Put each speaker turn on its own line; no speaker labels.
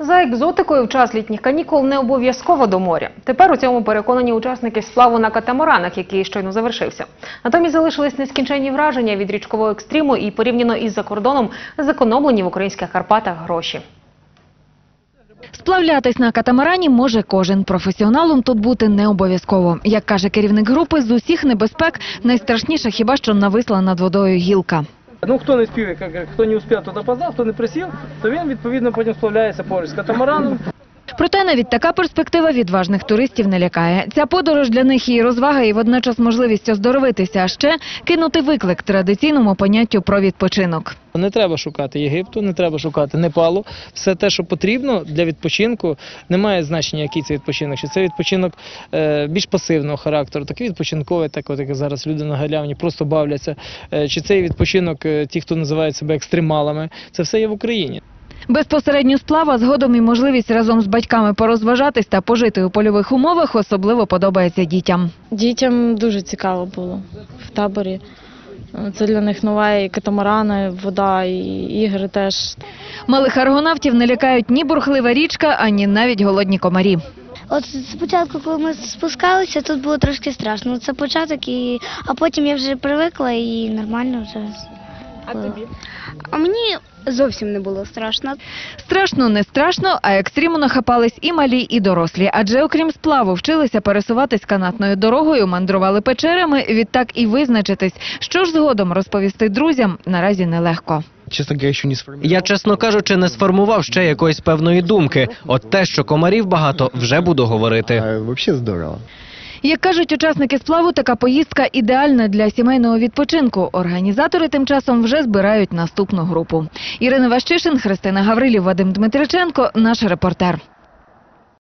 За екзотикою в час літніх канікул не обов'язково до моря. Тепер у цьому переконані учасники сплаву на катамаранах, який щойно завершився. Натомість залишились нескінченні враження від річкового екстриму і порівняно із-за кордоном зекономлені в українських Карпатах гроші.
Сплавлятись на катамарані може кожен. Професіоналом тут бути не обов'язково. Як каже керівник групи, з усіх небезпек найстрашніша хіба що нависла над водою гілка.
Хто не спів, хто не успів, то опоздав, хто не присів, то він, відповідно, потім сплавляється поруч з катамараном.
Проте навіть така перспектива відважних туристів не лякає. Ця подорож для них і розвага, і водночас можливість оздоровитися, а ще кинути виклик традиційному поняттю про відпочинок.
Не треба шукати Єгипту, не треба шукати Непалу. Все те, що потрібно для відпочинку, не має значення, який це відпочинок. Чи це відпочинок більш пасивного характеру, такий відпочинковий, як зараз люди на галявні просто бавляться. Чи це відпочинок ті, хто називають себе екстремалами. Це все є в Україні.
Безпосередньо сплава, згодом і можливість разом з батьками порозважатись та пожити у польових умовах особливо подобається дітям.
Дітям дуже цікаво було в таборі. Це для них нова і катамарани, вода, і ігри теж.
Малих аргонавтів не лякають ні бурхлива річка, ані навіть голодні комарі.
От спочатку, коли ми спускалися, тут було трошки страшно. Це початок, а потім я вже привикла і нормально вже.
А тобі?
А мені зовсім не було страшно.
Страшно не страшно, а екстриму нахапались і малі, і дорослі. Адже окрім сплаву вчилися пересуватись канатною дорогою, мандрували печерами, відтак і визначитись, що ж згодом розповісти друзям, наразі нелегко.
Я, чесно кажучи, не сформував ще якоїсь певної думки. От те, що комарів багато, вже буду говорити.
Взагалі здорово.
Як кажуть учасники сплаву, така поїздка ідеальна для сімейного відпочинку. Організатори тим часом вже збирають наступну групу. Ірина Ващишин, Христина Гаврилів, Вадим Дмитриченко, наш репортер.